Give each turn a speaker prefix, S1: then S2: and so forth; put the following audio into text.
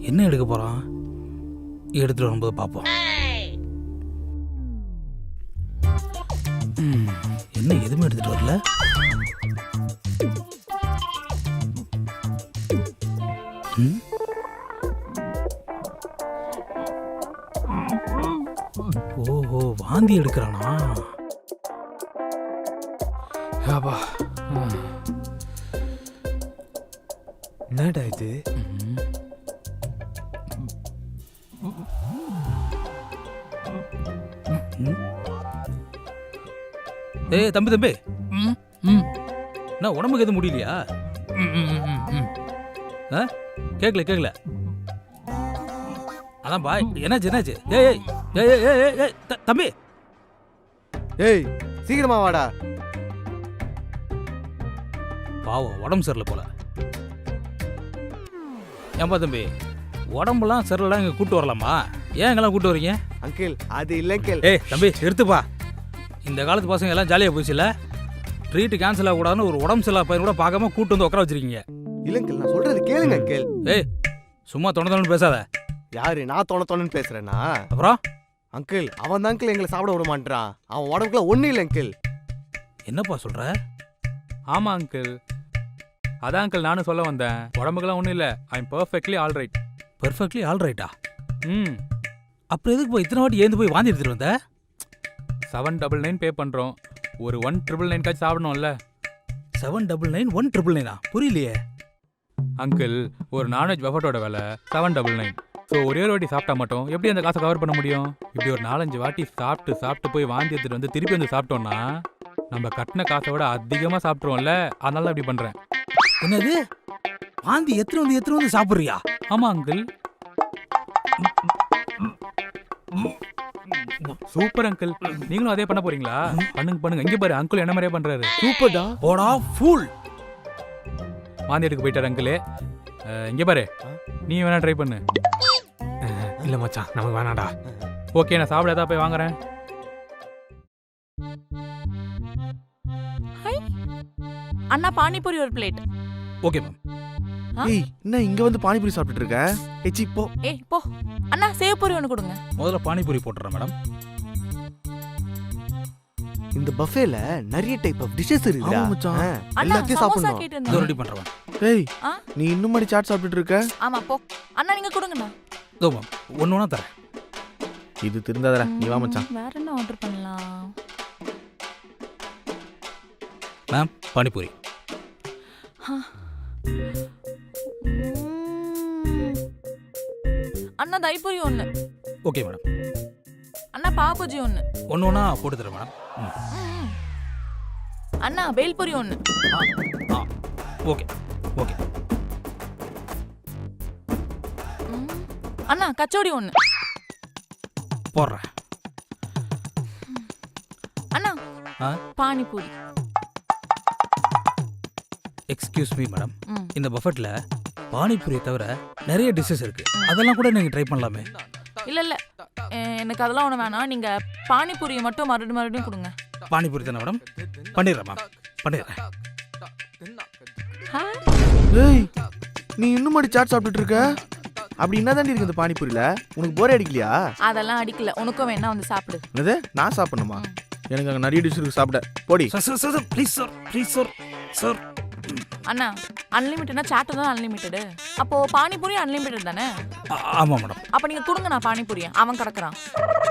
S1: என்ன எடுக்க போகிறான்? எடுத்துகிட்டு வரும்போது பார்ப்போம். என்ன எதுவுமே எடுத்துகிட்டு வரல? ஓஹோ, வாந்தி எடுக்கிறானா?
S2: என்னடா இது?
S1: ஏய் தம்பி தம்பி, என்ன உடம்புக்கு எதுவும் முடியலையா? கேட்கல. அதான் பாய், என்னாச்சு? ஏய் ஏய் ஏய் ஏய் ஏய் தம்பி,
S2: ஏய் சீக்கிரமா வாடா.
S1: பாவம் உடம்பு சரியில்லை போல. ஏன்பா தம்பி, உடம்புலாம் சரியில்லாம் இங்கே கூட்டு வரலாமா? ஏன் இங்கெல்லாம் கூட்டு வரீங்க?
S2: அங்கிள் அது இல்லை அங்கிள்.
S1: ஏய் தம்பி எடுத்துப்பா. இந்த காலத்து பசங்க எல்லாம் ஜாலியாக போச்சுல. ட்ரீட் கேன்சல் ஆகக்கூடாதுன்னு ஒரு உடம்பு சரியில்லா பையன் கூட பார்க்காம கூட்டு வந்து உட்கார வச்சிருக்கீங்க.
S2: இல்லை அங்கிள், நான் சொல்றது கேளுங்க அங்கிள்.
S1: ஏய் சும்மா தொண பேசாத.
S2: யாரு நான் தொணன்னு பேசுறேன்னா?
S1: அப்புறம்
S2: அங்கிள் அவன் தான் அங்கிள் எங்களை சாப்பிட விட மாட்டான். அவன் உடம்புக்குள்ள ஒன்றும் இல்லை அங்கிள்.
S1: என்னப்பா சொல்ற?
S3: ஆமா அங்கிள், அதான் அங்கிள் நானும் சொல்ல வந்தேன். உடம்புக்கெல்லாம் ஒன்றும் இல்லை. I am perfectly all right.
S1: Perfectly all ரைட்டா?
S3: ம்,
S1: அப்புறம் எதுக்கு போய் இத்தனை வாட்டி ஏந்து போய் வாந்தி எடுத்துட்டு வந்த?
S3: 799 பே பண்ணுறோம். ஒரு 1999 சாப்பிடணும்ல.
S1: 799 199 புரியலையே.
S3: அங்கிள் ஒரு நான்வெஜ் பஃபட்டோட விலை 799. ஸோ ஒரே ஒரு வாட்டி சாப்பிட்டா மட்டும் எப்படி அந்த காசை கவர் பண்ண முடியும்? இப்படி ஒரு 4-5 வாட்டி சாப்பிட்டு போய் வாந்தி எடுத்துட்டு வந்து திருப்பி வந்து சாப்பிட்டோம்னா நம்ம கட்டின காசை விட அதிகமாக சாப்பிட்ருவோம்ல. அதனால தான் இப்படி பண்ணுறேன்.
S1: என்னது, வாந்தி எத்தனை வந்து சாப்பிட்றியா?
S3: ஆமாம் அங்கிள். சூப்பர் அங்கிள், நீங்களும் அதே பண்ண போறீங்களா? பண்ணுங்க. இங்க பாரு, அங்கிள் என்ன மாதிரியே பண்றாரு.
S2: சூப்பர்டா.
S1: போடா ஃபூல்.
S3: வாந்தி எடுக்க போயிட்டாரு அங்கிள். இங்க பாரு, நீ வேணா ட்ரை பண்ணு.
S4: இல்ல மச்சான், நமக்கு வேணாடா.
S3: ஓகே, நான் சாப்பிட ஏதாவது போய் வாங்குறேன்.
S5: அண்ணா பானிபூரி ஒரு பிளேட்.
S1: Okay ma'am.
S2: ஏய் என்ன இங்க வந்து பானிபூரி சாப்பிட்டுட்டு இருக்க? ஏச்சி போ.
S5: ஏய் போ. அண்ணா சேவ் பூரி ஒன்று கொடுங்க.
S1: முதல்ல பானிபூரி போட்டுறேன் மேடம்.
S2: இந்த பஃபேல நிறைய டைப் ஆஃப் டிஷஸ் இருக்குடா.
S4: ஆமா மச்சான்.
S5: அண்ணா
S2: எல்லாத்தையும்
S5: சமோசா
S2: சாப்பிடணும்.
S5: கேட்டு
S1: இதோ
S5: இருந்தேன்.
S1: ரெடி பண்றேன்.
S2: ஏய்
S5: ஆ?
S2: நீ இன்னும் மாதிரி சாட் சாப்பிட்டுட்டு இருக்க?
S5: ஆமா போ. அண்ணா நீங்க கொடுங்கண்ணா.
S1: இதோ மேம், ஒன்று தரேன்.
S2: இது திருந்தாதடா, நீ வா மச்சான்.
S5: வேற என்ன ஆர்டர் பண்ணலாம்?
S1: மேம் பானிபூரி.
S5: அண்ணா தைப்பூரி ஒன்று.
S1: Okay madam.
S5: அண்ணா பாபுஜி ஒன்று.
S1: ஒன்று போட்டு தரேன் மேடம்.
S5: அண்ணா பேல்பூரி ஒன்று.
S1: ஓகே.
S5: அண்ணா கச்சோடி ஒன்று.
S1: போடுறேன்.
S5: அண்ணா
S1: ஆ?
S5: பானிபூரி.
S1: எக்ஸ்கியூஸ் மீ மேடம்,
S5: ம்.
S1: இந்த பஃபெட்டில் பானிபூரியை தவிர நிறைய டிஷ்ஷஸ் இருக்கு. அதெல்லாம் கூட நீங்கள் ட்ரை பண்ணலாமே.
S5: இல்ல எனக்கு அதெல்லாம் ஒன்று வேணாம். நீங்க பானிபூரியை மட்டும் மறுபடியும் கொடுங்க.
S1: பானிபூரி தானே மேடம்? பண்ணிடுறேன் மேம், பண்ணிடுறேன்.
S2: ஏய் நீ இன்னும் மாதிரி சாட் சாப்பிட்டுட்டு இருக்க? அப்படி என்னதாண்டி இருக்கு இந்த பானிபூரியில? உனக்கு போரே அடிக்கலையா?
S5: அதெல்லாம் அடிக்கல. உனக்கும் வேணா வந்து சாப்பிடு.
S2: என்னது நான் சாப்பிடணுமா? எனக்கு அங்கே நிறைய டிஷ் இருக்கு சாப்பிட. போடி.
S1: Sir please sir.
S5: அண்ணா அன்லிமிட்டட்னா சாட் தான் அன்லிமிட்டடு. அப்போ பானிபூரி அன்லிமிட்டட் தானே?
S1: ஆமாம் மேடம்.
S5: அப்ப நீங்க கொடுங்க, நான் பானிபூரி. அவன் கிடக்குறான்.